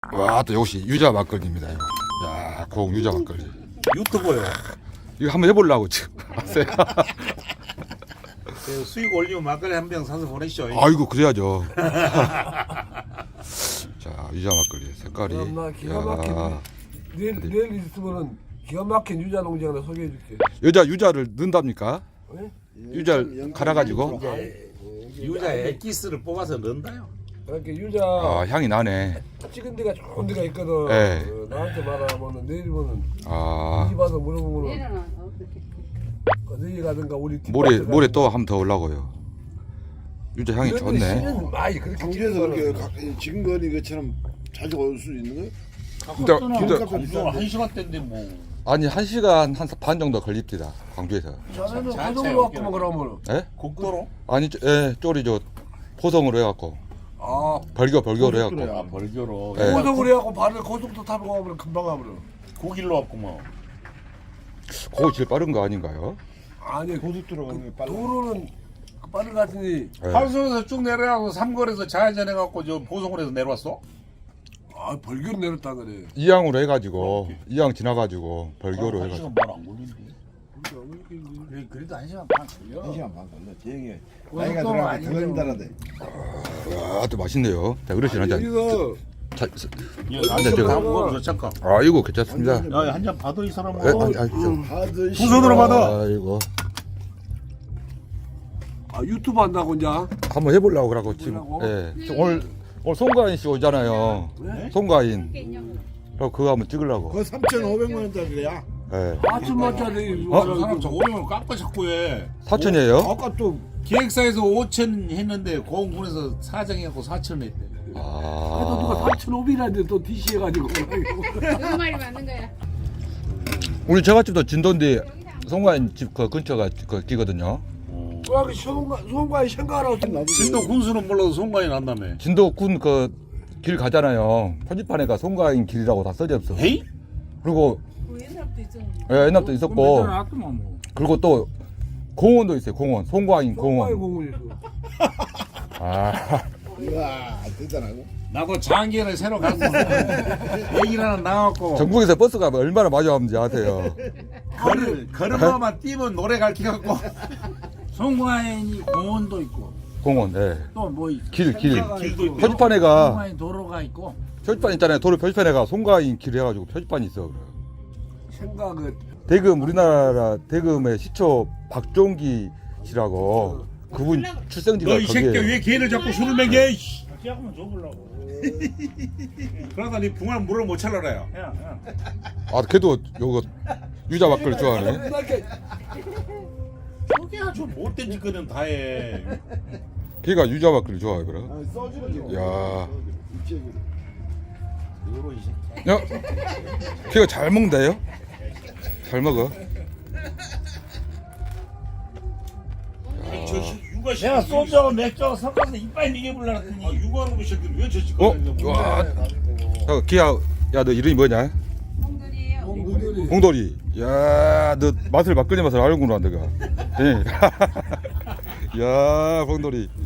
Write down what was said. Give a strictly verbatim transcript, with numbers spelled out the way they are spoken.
와, 또 역시 유자 막걸리입니다. 이거. 야, 고 유자 막걸리. 유튜버요. 이거 한번 해보려고 지금 왔어요. 그 수익 올리면 막걸리 한 병 사서 보내시죠. 아이고 그래야죠. 자, 유자 막걸리 색깔이. 엄마 기가 막힌 야, 내일 내일 있으면은 기가 막힌 유자 농장 하나 소개해줄게. 여자 유자를 넣는답니까? 네? 유자를 갈아가지고. 유자 엑기스를 뽑아서 넣는다요. 이렇게 유자 아, 향이 나네. 찍은 데가 좋은 데가 있거든. 네. 어, 나한테 말하면은 내일이면은 아, 집 와서 물어보면은 내려놔. 어, 그렇게. 내일 가든가 우리 뒷 모레 밭에 모레 가든가. 또 한 번 더 올라고요. 유자 향이 이런 데 좋네. 쓰면 많이 그렇게 광주에서 찍는 그렇게 거는 가- 지금 거니 것처럼 자주 올 수 있는 거예요? 진짜 진짜 광주 한 시간대인데 뭐. 아니 한 시간 한 반 정도 걸립니다. 광주에서. 자네는 자- 고속으로 자체 왔구만 그러면은. 예? 국도로? 아니, 저- 예, 쪼리 저 포성으로 해갖고 아 벌교 벌교로 아 해갖고. 벌교로. 네. 고속으로 해갖고 바로 고속도 타고 가면 금방 가면은. 고길로 왔고 뭐. 거기 제일 빠른 거 아닌가요? 아니 고속도로 가는 게 빨라. 도로는 그 빠른 것 같으니 예. 하수에서 쭉 내려가고 삼거리에서 좌회전해갖고 저 보성으로 해서 내려왔어? 아 벌교로 내렸다 그래. 이항으로 해가지고 이항 지나가지고 벌교로 한 해가지고. 시간 반안 걸리는데. 그래, 그래도 한 시간 반 걸려. 한 시간 반 걸려. 대행에 고속도로 나이가 들어가면 더 아니면- 걸린다는데. 아, 또 맛있네요. 자, 어르신 한 잔. 여기서 자, 한잔 저거. 먹어보자 잠깐. 아, 이거 괜찮습니다. 야, 한 잔 받아 이 사람아. 예, 아니, 아니, 좀. 하드 두 손으로 받아. 아, 이거 아 유튜브 한다고 이제. 한번 해보려고 그러고 지금. 해보려고? 예. 저 오늘 오늘 송가인 씨 오잖아요. 네? 송가인. 게 있냐고. 그럼 그거 한번 찍으려고. 그거 삼천오백만 원짜리야. 예. 아침마짜리 어? 저 사람 저 오백 원 깎아 자꾸 해. 사천이에요? 아까 또 기획사에서 오천 했는데 고흥군에서 사장해갖고 사천 했대. 아, 또 누가 아, 사천오백이라는데 또 디씨 해가지고. 그 말이 맞는 거야. 우리 저갓집도 진도인데 송가인 집 그 근처가 그 끼거든요. 그 소금과 소금과 생각하라고 진도 군수는 몰라도 송가인 난다며. 진도군 그 길 가잖아요. 표지판에가 송가인 길이라고 다 써져 있어. 에이? 그리고 그 옛날부터 있잖아. 예, 옛날부터 있었고 놨더만 뭐. 그리고 또 공원도 있어요. 공원. 송가인 소금과의 공원. 공원에서. 아, 이야 대단하고. 나도 장기를 새로 가서 얘기를 하나 나왔고 전국에서 버스가 얼마나 마주하는지 아세요? 걸음, 걸음마만 뛰면 노래 가르쳐갖고 송과인이 공원도 있고 공원. 예. 또 뭐 있어. 길, 길. 길도 있고 표지판에가 송과인 도로가 있고. 표지판 있잖아요. 도로 표지판에가 송가인 길 해가지고 표지판이 있어. 생각은 대금 우리나라 대금의 시초 박종기 씨라고 그분 출생지가 너 이 새끼 거기에. 왜 걔를 자꾸 술을 먹여 이씨. 약만 줘보려고. 그러다 니 붕어는 물을 못 찰라라요. 야, 야. 아, 걔도 요거 유자 막걸리 좋아하네. 이렇게 저게 아주 못된 짓거든 다해. 걔가 유자 막걸리 좋아해 그래. 아, 써주는 거. 야, 요로 이 새끼. 야, 걔가 잘 먹는데요? 잘 먹어. 저 씨, 육아 씨. 내가 소주하고 맥주하고 섞어서 이빨 미개불라 했더니 아 육아하는 거 새끼 왜저 짓 어? 거든 와, 야, 걔야, 야, 너 이름이 뭐냐? 홍들이에요. 공들이 홍돌이. 야, 너 맛을 막걸리 맛을 알구나, 너가. 예. 야, 홍돌이.